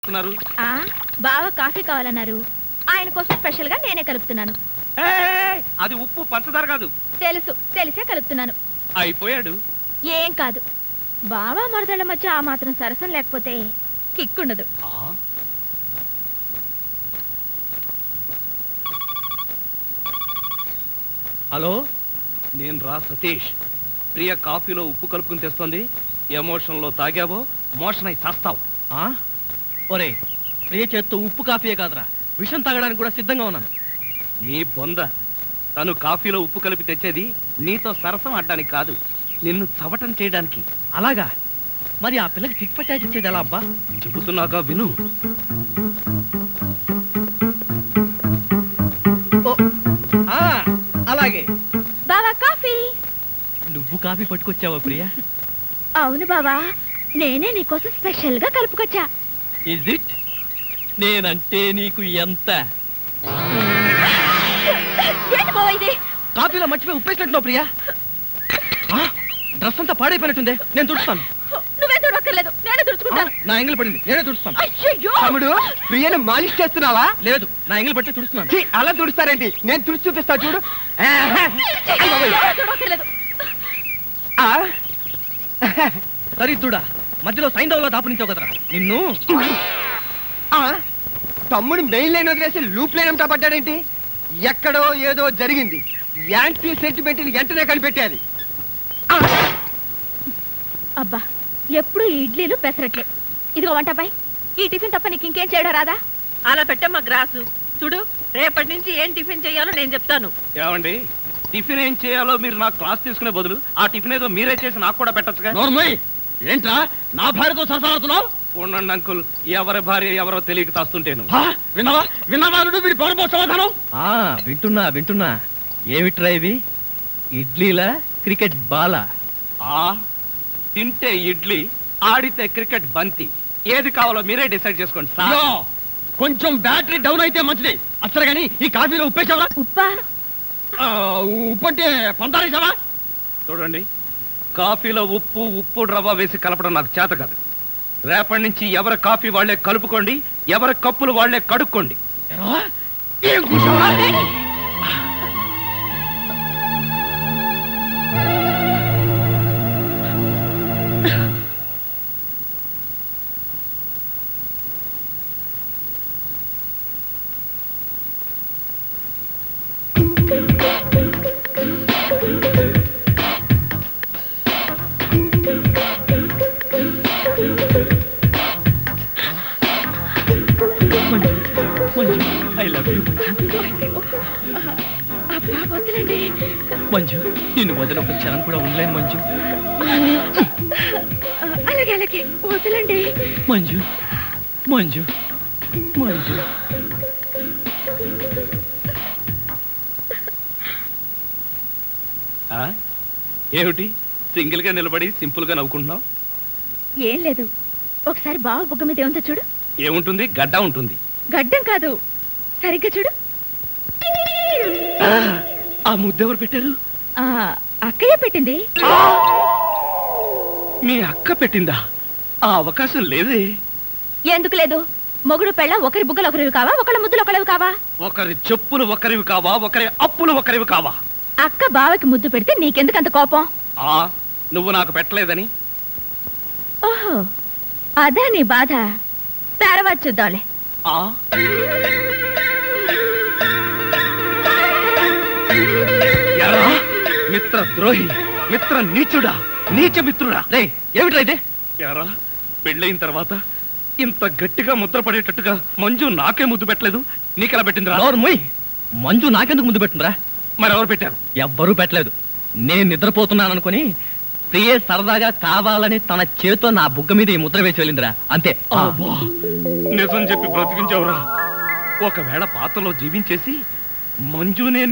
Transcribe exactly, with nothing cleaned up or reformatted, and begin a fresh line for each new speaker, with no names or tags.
ఆ బావ కాఫీ కావాలన్నారు. ఆయన కోసం స్పెషల్ గా నేనే కలుపుతున్నాను.
అది ఉప్పు పంచదార కాదు.
తెలుసు, తెలిసే కలుపుతున్నాను.
అయిపోయాడు.
ఏం కాదు, బావ మరదళ్ళ మధ్య ఆ మాత్రం సరసం లేకపోతే కిక్కుండదు.
హలో, నేను రా సతీష్. ప్రియ కాఫీలో ఉప్పు కలుపుకుని తెస్తుంది. ఎమోషన్ లో తాగావో మోషన్ అయి చేస్తావు.
ఒరే, ప్రియ చేత్తో ఉప్పు కాఫీయే కాదురా, విషం తాగడానికి కూడా సిద్ధంగా ఉన్నాను.
నీ బొంద. తను కాఫీలో ఉప్పు కలిపి తెచ్చేది నీతో సరసం ఆడడానికి కాదు, నిన్ను చవటం చేయడానికి.
అలాగా? మరి ఆ పిల్లకి చిట్ పట్టాచి ఇచ్చేది ఎలా అబ్బా?
చెబుతున్నాగా విను.
అలాగే.
బావా కాఫీ.
నువ్వు కాఫీ పట్టుకొచ్చావా ప్రియా?
అవును బావా, నేనే నీకోసం స్పెషల్ గా కలుపుకొచ్చా.
Is it? నేనంటే నీకు ఎంత?
ఏంటి బావా ఇది?
కాఫీలో మర్చిపోయి ఉప్పేసినట్టున్నావు ప్రియా. డ్రెస్ అంతా పాడైపోయినట్టుంది, నేను తుడుస్తాను.
నువ్వే తుడక్కర్లేదు, నేనే తుడుచుకుంటాను.
నా ఎంగిల్ పడింది, నేనే తుడుస్తాను.
అయ్యయ్యో!
తమ్ముడు, ప్రియను మాలిష్ చేస్తున్నావా?
లేదు, నా ఎంగిల్ పట్టి తుడుస్తున్నాను.
ఛీ, అలా తుడుస్తారేంటి? నేను తుడిచి చూపిస్తా చూడు.
తుడక్కర్లేదు.
ఆ,
దరిద్రుడా, మధ్యలో సైంధవ్లో దాపురించావు కదరా నిన్ను.
ఆ, తమ్ముడు మెయిన్ లైన్ వదిలేసి లూప్ లైన్ అంతా పడ్డాడేంటి? ఎక్కడో ఏదో జరిగింది. యాంటీ సెంటిమెంట్ వెంటనే కనిపెట్టాది.
అబ్బా, ఎప్పుడు ఈ ఇడ్లీలు పెసరట్లే. ఇదిగో వంటపై ఈ టిఫిన్ తప్ప నీకు ఇంకేం చేయడం రాదా?
అలా పెట్టమ్మా గ్రాసు. చూడు, రేపటి నుంచి ఏం టిఫిన్ చేయాలో నేను చెప్తాను.
ఏమండి, టిఫిన్ ఏం చేయాలో మీరు నాకు క్లాస్ తీసుకునే బదులు ఆ టిఫిన్ ఏదో మీరే చేసి నాకు కూడా పెట్టచ్చుగా.
నోర్మోయ్, ఏంట్రా నా భార్యతో సరసాడుతున్నావు?
ఉండండి అంకుల్, ఎవరి భార్య ఎవరో తెలియక తాస్తుంటేను.
విన్నావా విన్నావా వీడి పౌరపో సమాధానం. వింటున్నా వింటున్నా. ఏమిట్రా ఇవి? ఇడ్లీలా క్రికెట్ బాలా?
ఆ తింటే ఇడ్లీ, ఆడితే క్రికెట్ బంతి. ఏది కావాలో మీరే డిసైడ్ చేసుకోండి సార్.
కొంచెం బ్యాటరీ డౌన్ అయితే మంచిది. అసలు గానీ ఈ కాఫీలో ఉప్పేసావా?
ఉప్పా?
ఉప్పు అంటే పంతారేసావా?
చూడండి, కాఫీలో ఉప్పు ఉప్పు రవ్వ వేసి కలపడం నాకు చేత కాదు. రేపటి నుంచి ఎవరి కాఫీ వాళ్లే కలుపుకోండి, ఎవరి కప్పులు వాళ్లే కడుక్కోండి.
ఏం కూర్చోవా? I love you Manju. నిన్ను వదిలి ఒక క్షణం కూడా ఉండలేను మంజు.
అలాగే అలాగే వదలండి
మంజు. మంజు మంజు
ఏమిటి సింగిల్ గా నిలబడి సింపుల్ గా నవ్వుకుంటున్నావు?
ఏం లేదు, ఒకసారి బావ బుగ్గ మీద ఏముందో చూడు.
ఏముంటుంది? గడ్డ ఉంటుంది.
గడ్డం కాదు, సరిగ్గా చూడు.
ఆ ముద్దెవరు పెట్టారు?
ఆ అక్కయ్య పెట్టింది.
మీ అక్క పెట్టిందా? ఆ అవకాశం లేదే.
ఎందుకు లేదు? మొగుడు పెళ్ళ ఒకరి బుగ్గలు ఒకరివి కావా, ఒకళ్ళ ముద్దులు ఒకరివి కావా?
ఒకరి చెప్పులు ఒకరివి కావా, ఒకరి అప్పులు ఒకరివి కావా?
అక్క బావకి ముద్దు పెడితే నీకెందుకు అంత కోపం?
ఆ నువ్వు నాకు పెట్టలేదని.
ఓహో, అదా నీ బాధ. తర్వాత చూద్దాంలే.
ఆ మిత్ర ద్రోహి, మిత్ర నీచుడా, నీచ మిత్రుడా.
రే, ఏమిట్రా ఇదే?
యారా, పెళ్ళయిన తర్వాత ఇంత గట్టిగా ముద్ర పడేటట్టుగా మంజు నాకే ముద్దు పెట్టలేదు, నీకెలా పెట్టిందిరా?
నోర్మోయ్, మంజు నాకెందుకు ముద్దు పెట్టిందిరా?
మరెవరు పెట్టారు?
ఎవ్వరూ పెట్టలేదు. నేను నిద్రపోతున్నాను అనుకుని ప్రియే సరదాగా కావాలని తన చేతితో నా బుగ్గ మీద ఈ ముద్ర వేసి వెళ్ళిందిరా, అంతే.
నిజం చెప్పి బ్రతికించావురా. ఒకవేళ పాత్రలో జీవించేసి మంజునే